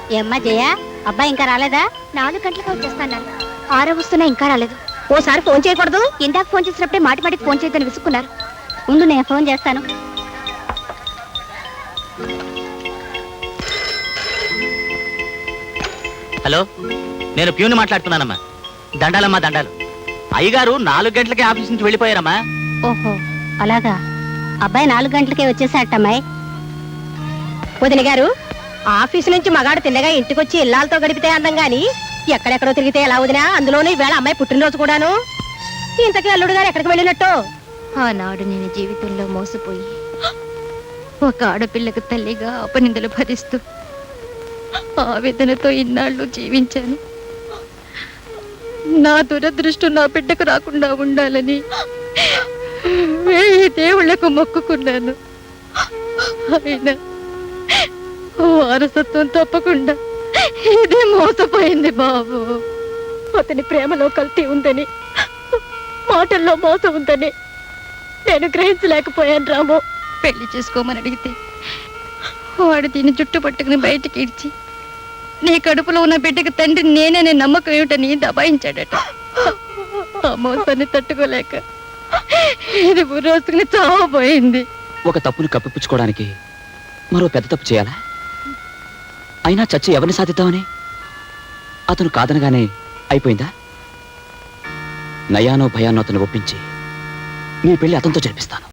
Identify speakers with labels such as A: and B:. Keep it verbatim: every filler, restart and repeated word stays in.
A: ఏమ్మా జయ, అబ్బాయి ఇంకా రాలేదా?
B: నాలుగు గంటలకు వచ్చేస్తాను. ఆరో వస్తున్నా ఇంకా రాలేదు. ఓసారి ఫోన్ చేయకూడదు? ఇందాక ఫోన్ చేసినప్పుడే మాటి మాటికి ఫోన్ చేయదని విసుక్కున్నారు.
A: ఉండు, నేను ఫోన్ చేస్తాను.
C: హలో, నేను ప్యూని మాట్లాడుతున్నానమ్మా. దండాలమ్మా దండాలు. అయ్యగారు నాలుగు గంటలకే ఆఫీస్ నుంచి వెళ్ళిపోయారమ్మా.
A: ఓహో అలాగా. అబ్బాయి నాలుగు గంటలకే వచ్చేసాటమ్మాయి.
B: వదిన గారు, ఆఫీసు నుంచి మగాడు తిన్నగా ఇంటికొచ్చి ఇల్లాలతో గడిపితే అందం గాని ఎక్కడెక్కడో తిరిగితే ఎలా వదినా? అందులోనూ ఈవేళ అమ్మాయి పుట్టినరోజు కూడాను. ఇంతకీ అల్లుడు గారు ఎక్కడికి వెళ్ళినట్టు?
D: ఆనాడు నేను జీవితంలో మోసపోయి ఒక ఆడపిల్లకు తల్లిగా అపనిందలు భరిస్తూ ఆవేదనతో ఇన్నాళ్ళు జీవించాను. నా దురదృష్టం నా బిడ్డకు రాకుండా ఉండాలని వేయి దేవుళ్లకు మొక్కుకున్నాను. అయినా వారసత్వం తప్పకుండా ఇది మోసపోయింది బాబు.
B: అతని ప్రేమలో కల్తీ ఉందని, మాటల్లో మోసం ఉందని నేను గ్రహించలేకపోయాను రాము.
D: పెళ్లి చేసుకోమని అడిగితే వాడు దీన్ని జుట్టు పట్టుకుని బయటికి ఇడ్చి నీ కడుపులో ఉన్న బిడ్డకు తండ్రి నేనే నమ్మకం ఏమిటని దబాయించాడట. ఆ మోసాన్ని తట్టుకోలేక ఇది బుర్రోసుకుని చావబోయింది.
E: ఒక తప్పును కప్పిపుచ్చుకోవడానికి మరో పెద్ద తప్పు చేయాలా? అయినా చచ్చి ఎవరిని సాధిద్దామని? అతను కాదనగానే అయిపోయిందా? నయానో భయానో అతను ఒప్పించి నీ పెళ్లి అతనితో జరిపిస్తాను.